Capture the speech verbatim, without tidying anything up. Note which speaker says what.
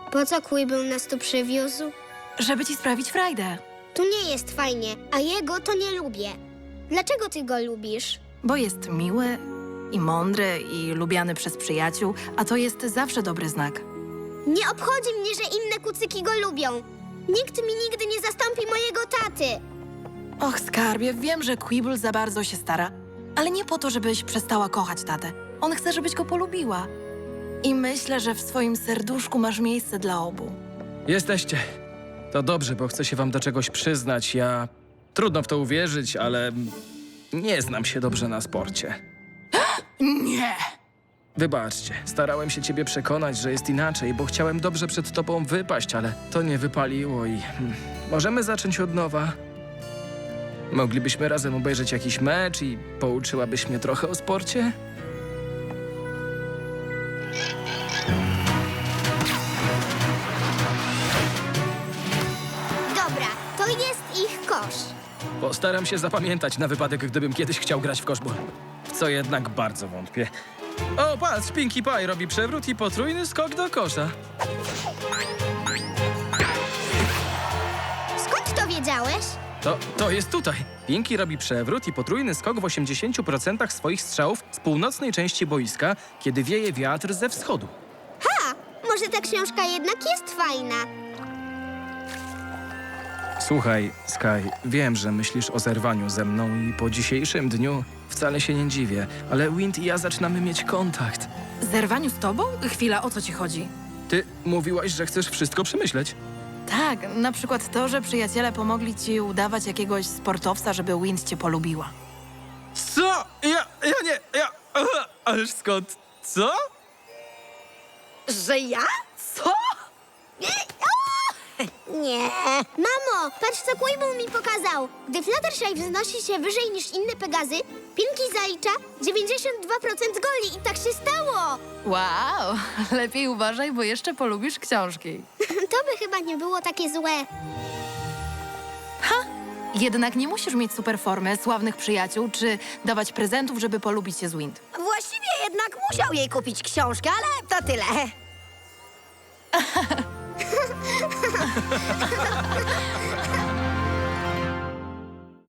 Speaker 1: Po co Quibble nas tu przywiózł?
Speaker 2: Żeby ci sprawić frajdę.
Speaker 1: Tu nie jest fajnie, a jego to nie lubię. Dlaczego ty go lubisz?
Speaker 2: Bo jest miły i mądry i lubiany przez przyjaciół, a to jest zawsze dobry znak.
Speaker 1: Nie obchodzi mnie, że inne kucyki go lubią. Nikt mi nigdy nie zastąpi mojego taty.
Speaker 2: Och, skarbie, wiem, że Quibble za bardzo się stara, ale nie po to, żebyś przestała kochać tatę. On chce, żebyś go polubiła. I myślę, że w swoim serduszku masz miejsce dla obu.
Speaker 3: Jesteście. To dobrze, bo chcę się wam do czegoś przyznać. Ja... Trudno w to uwierzyć, ale... nie znam się dobrze na sporcie.
Speaker 2: Nie!
Speaker 3: Wybaczcie, starałem się ciebie przekonać, że jest inaczej, bo chciałem dobrze przed tobą wypaść, ale to nie wypaliło i... hmm, możemy zacząć od nowa? Moglibyśmy razem obejrzeć jakiś mecz i pouczyłabyś mnie trochę o sporcie?
Speaker 1: Dobra, to jest ich kosz.
Speaker 3: Postaram się zapamiętać na wypadek, gdybym kiedyś chciał grać w koszbol. W co jednak bardzo wątpię. O, patrz, Pinkie Pie robi przewrót i potrójny skok do kosza.
Speaker 1: Skąd to wiedziałeś?
Speaker 3: To, to jest tutaj. Pinkie robi przewrót i potrójny skok w osiemdziesięciu procentach swoich strzałów z północnej części boiska, kiedy wieje wiatr ze wschodu.
Speaker 1: Ha! Może ta książka jednak jest fajna.
Speaker 3: Słuchaj, Sky, wiem, że myślisz o zerwaniu ze mną i po dzisiejszym dniu wcale się nie dziwię, ale Wind i ja zaczynamy mieć kontakt.
Speaker 2: Zerwaniu z tobą? Chwila, o co ci chodzi?
Speaker 3: Ty mówiłaś, że chcesz wszystko przemyśleć.
Speaker 2: Tak, na przykład to, że przyjaciele pomogli ci udawać jakiegoś sportowca, żeby Wind cię polubiła.
Speaker 3: Co? Ja, ja nie, ja... Aha, ależ skąd? Co?
Speaker 4: Że ja? Co?
Speaker 1: Nie. Mamo, patrz co Quibble mi pokazał. Gdy Fluttershy wznosi się wyżej niż inne Pegazy, Pinkie zalicza dziewięćdziesiąt dwa procent goli i tak się stało.
Speaker 2: Wow, lepiej uważaj, bo jeszcze polubisz książki.
Speaker 1: To by chyba nie było takie złe.
Speaker 2: Jednak nie musisz mieć super formy, sławnych przyjaciół, czy dawać prezentów, żeby polubić się z Wind.
Speaker 4: Właściwie jednak musiał jej kupić książkę, ale to tyle.